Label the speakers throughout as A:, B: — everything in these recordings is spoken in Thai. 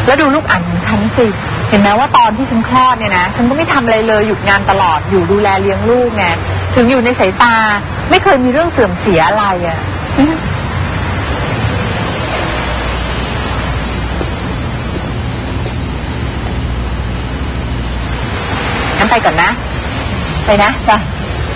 A: แล้วดูลูกอ่านของฉันสิเห็นไหมว่าตอนที่ฉันคลอดเนี่ยนะฉันก็ไม่ทำอะไรเลยหยุดงานตลอดอยู่ดูแลเลี้ยงลูกไงถึงอยู่ในสายตาไม่เคยมีเรื่องเสื่อมเสียอะไรอ่ะงั้นไปก่อนนะไปนะจ้ะ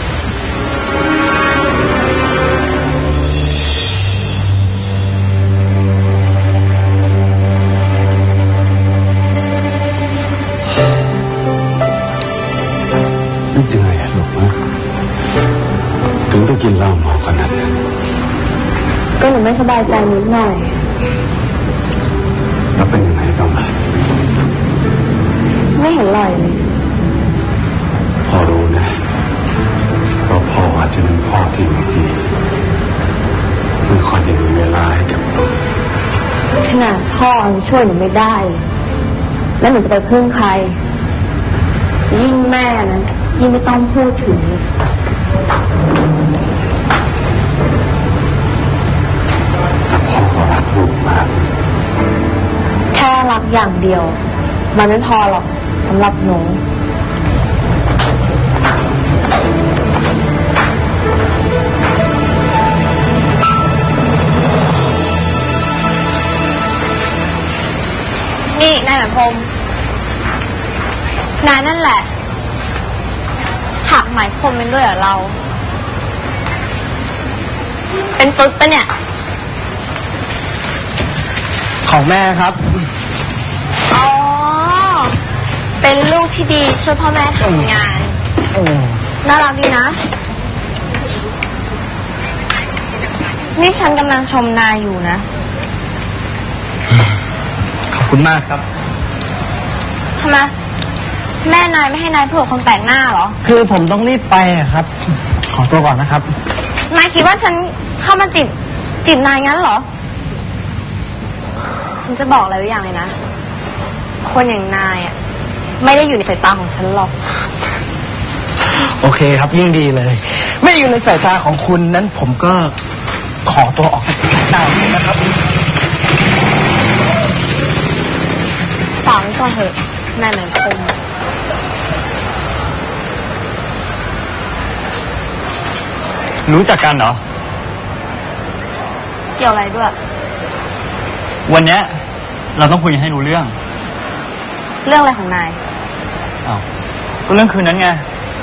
B: นึกยังไงอะลูกนะถึงต้องกินเหล้าเมาขนาดนั้น
C: ก็หนูไม่สบายใจนิดหน่อย
B: แล้วเป็นยังไงบ้างล่ะ
C: ไม่เห็นลอยเลย
B: พ่อรู้นะว่าพ่ออาจจะเป็นพ่อที่บางทีไม่ค่อยได้มีเวลาให้กับลูก
C: ขนาดพ่อช่วยหนูไม่ได้แล้วหนูจะไปพึ่งใครยิ่งแม่นะยิ่งไม่ต้องพูดถึง
B: แต่พ่อก็รักลูกมาก
C: แค่รักอย่างเดียวมันไม่พอหรอกสำหรับหนู
D: นี่นายหมายพรมนายนั่นแหละถักหมายพรมเป็นด้วยเหรอเราเป็นตุ๊ดปะเนี่ย
E: ของแม่ครับ
D: อ๋อเป็นลูกที่ดีช่วยพ่อแม่ทำงานน่ารักดีนะนี่ฉันกำลังชมนายอยู่นะ
E: ขอบคุณมากครับ
D: ทำไมแม่นายไม่ให้นายพูดกับคนแปลกหน้าเหรอ
E: คือผมต้องรีบไปครับขอตัวก่อนนะครับ
D: นายคิดว่าฉันเข้ามาจีบนายงั้นเหรอฉันจะบอกอะไรไว้อย่างเลยนะคนอย่างนายอ่ะไม่ได้อยู่ในสายตาของฉันหรอก
E: โอเคครับยิ่งดีเลยไม่อยู่ในสายตาของคุณนั้นผมก็ขอตัวออกจากสายตาเลยนะครับ
D: ฝังก่อนเถอะนายหมายพรม
E: รู้จักกันเหรอ
D: เกี่ยวอะไรด้วย
E: วันนี้เราต้องคุยให้รู้เรื่อง
D: อะไรของนาย
E: อ้าวก็เรื่องคืนนั้นไง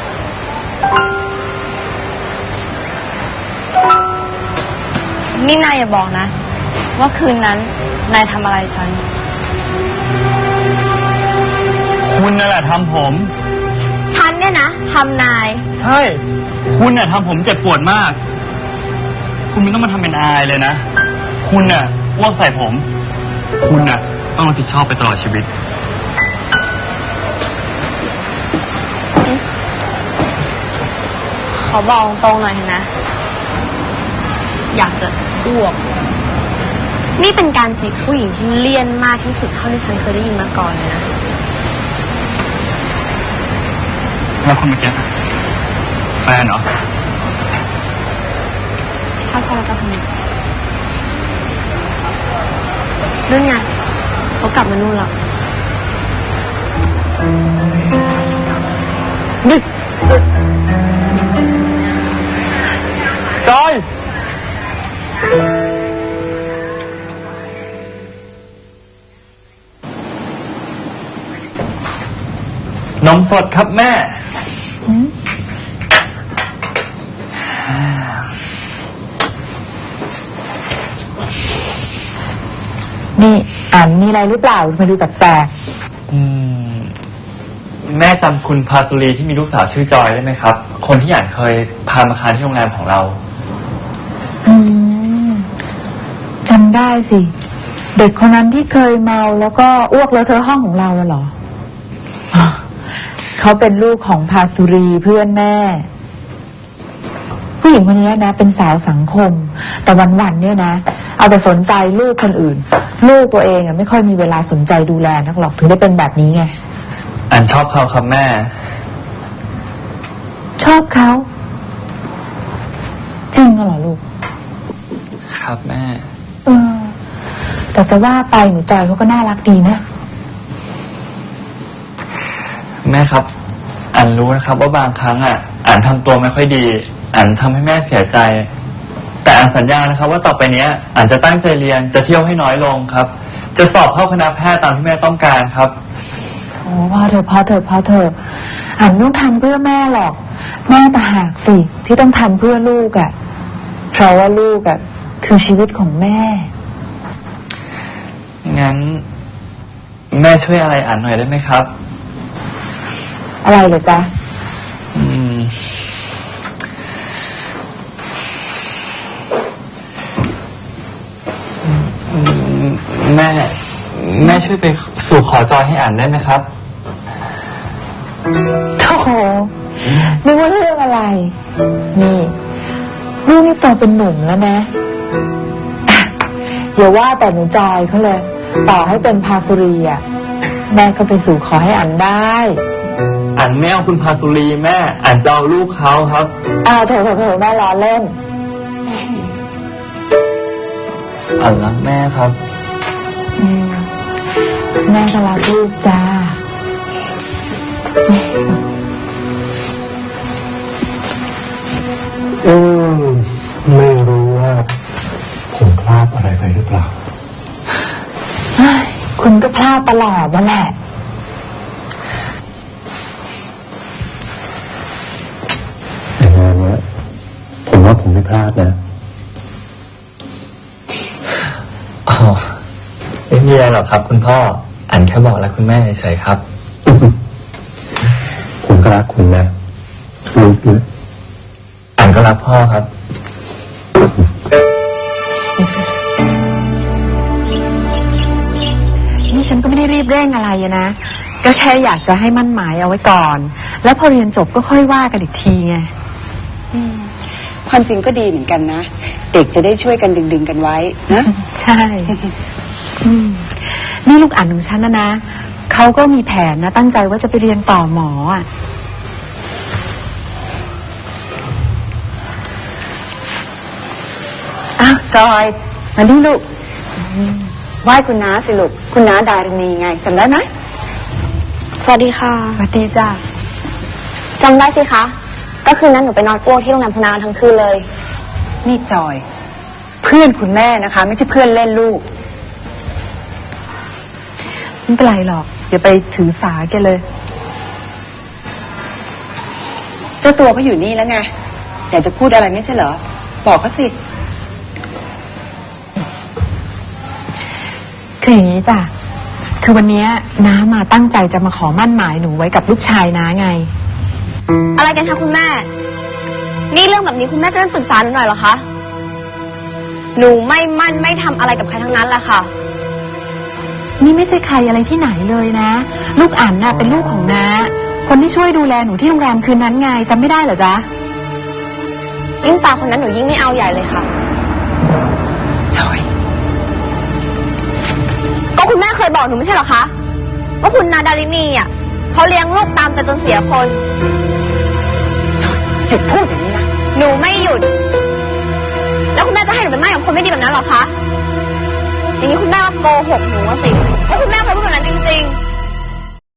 D: นี่นายอย่าบอกนะว่าคืนนั้นนายทำอะไรฉัน
E: คุณนั่นแหละทำผม
D: ฉันเนี่ยนะทำนาย
E: ใช่คุณน่ะทำผมเจ็บปวดมากคุณไม่ต้องมาทำเป็นอายเลยนะคุณน่ะอ้วกใส่ผมคุณน่ะต้องรับผิดชอบไปตลอดชีวิต
D: ขอบอกตรงหน่อยนะอยากจะอ้วกนี่เป็นการจีบผู้หญิงที่เลี่ยนมากที่สุดเท่าที่ฉันเคยได้ยินมาก่อนเลยนะ
E: แล้วคนเมื่อกี้แฟนเหรอ
D: ถ้าใช่จะทำไงนู่นไงเขากลับมานู่นแล้ว
E: นี่จอยนมสดครับแม่
A: นี่อ่านมีอะไรหรือเปล่ามาดูแปลก
E: แม่จำคุณพาสุรีที่มีลูกสาวชื่อจอยได้ไหมครับคนที่อ่านเคยพามาค้างที่โรงแรมของเรา
A: จำได้สิเด็กคนนั้นที่เคยเมาแล้วก็อ้วกเลอะเทอะห้องของเราเหรอเขาเป็นลูกของพาสุรีเพื่อนแม่ผู้หญิงคนนี้นะเป็นสาวสังคมแต่วันๆเนี่ยนะเอาแต่สนใจลูกคนอื่นลูกตัวเองไม่ค่อยมีเวลาสนใจดูแลนักหรอกถึงได้เป็นแบบนี้ไง
E: อันชอบเขาครับแม่
A: ชอบเขาจริงเหรอลูก
E: ครับแม่
A: แต่จะว่าไปหนูจอยเขาก็น่ารักดีนะ
E: แม่ครับ อันรู้นะครับว่าบางครั้งอันทำตัวไม่ค่อยดี อันทำให้แม่เสียใจ แต่อันสัญญานะครับว่าต่อไปเนี้ยอันจะตั้งใจเรียนจะเที่ยวให้น้อยลงครับ จะสอบเข้าคณะแพทย์ตามที่แม่ต้องการครับ
A: โอ้พอเถอะอันไม่ต้องทำเพื่อแม่หรอก แม่ต่างหากสิที่ต้องทำเพื่อลูกเพราะว่าลูกคือชีวิตของแม่
E: งั้น แม่ช่วยอะไรอันหน่อยได้ไหมครับ
A: อะไรเหรอจ๊ะ
E: แม่ช่วยไปสู่ขอจอยให้อ่านได้ไหมครับ
A: โธ่นึกว่าเรื่องอะไร นี่ลูกนี่โตเป็นหนุ่มแล้วนะอย่าว่าแต่หนูจอยเขาเลย ต่อให้เป็นพาสุรีแม่ก็ไปสู่ขอให้อันได้
E: อันไม่เอาคุณพาสุรีแม่อันจะเอาลูกเขาครับ
A: โถแม่ล้อเล่น
E: อันรักแม่ครับ
A: แม่ก็รักลูกจ้า
B: ไม่รู้ว่าผมพลาดอะไรไปหรือเปล่า
A: คุณก็พลาดตลอดนั่นแหละ
B: อย่างนั้นนะผมว่าผมไม่พลาดนะ
E: ไม่มีอะไรหรอกครับคุณพ่ออันแค่บอกรักคุณแม่เฉยๆครับ
B: ผมก็รักคุณนะลูกด้วย
E: อันก็รักพ่อครับ
A: นี่ฉันก็ไม่ได้รีบเร่งอะไรนะก็แค่อยากจะให้มั่นหมายเอาไว้ก่อนแล้วพอเรียนจบก็ค่อยว่ากันอีกทีไง
F: ความจริงก็ดีเหมือนกันนะเด็กจะได้ช่วยกันดึงกันไว้นะ
A: ใช่นี่ลูกอ่านของฉันนะเขาก็มีแผนนะตั้งใจว่าจะไปเรียนต่อหมอจอยมาดิลูก
F: ไหว้คุณน้าสิลูกคุณน้าดารินีไงจำได้ไหม
D: สวัสดีค่ะ
A: สวัสดีจ้า
D: จำได้สิคะก็คืนนั้นหนูไปนอนอ้วกที่โรงแรมพนาทั้งคืนเลย
F: นี่จอยเพื่อนคุณแม่นะคะไม่ใช่เพื่อนเล่นลูก
A: ไม่เป็นไรหรอกอย่าไปถือสาแกเลย
F: เจ้าตัวก็อยู่นี่แล้วไงอยากจะพูดอะไรไม่ใช่เหรอบอกเขาสิ
A: คืออย่างนี้จ้ะคือวันนี้น้ามาตั้งใจจะมาขอมั่นหมายหนูไว้กับลูกชายน้าไง
D: อะไรกันคะคุณแม่นี่เรื่องแบบนี้คุณแม่จะไม่ปรึกษาหนูหน่อยเหรอคะหนูไม่มั่นไม่ทำอะไรกับใครทั้งนั้นแหละค่ะ
A: นี่ไม่ใช่ใครอะไรที่ไหนเลยนะลูกอั๋นน่ะเป็นลูกของน้าคนที่ช่วยดูแลหนูที่โรงแรมคืนนั้นไงจำไม่ได้เหรอจ๊ะ
D: ยิ่งตาคนนั้นหนูยิ่งไม่เอาใหญ่เลยค่ะ
F: จอย
D: ก็คุณแม่เคยบอกหนูไม่ใช่เหรอคะว่าคุณนาดารินีเขาเลี้ยงลูกตามใจจนเสียคน
F: จอยหยุดพูดอย่างนี้นะ
D: หนูไม่หยุดแล้วคุณแม่จะให้หนูเป็นแม่ของคนไม่ดีแบบนั้นเหรอคะอย่างนี้คุณแม่ก็โกหกหนูสิว่าคุณแม่เคยพูดแบบนั้นจริงๆ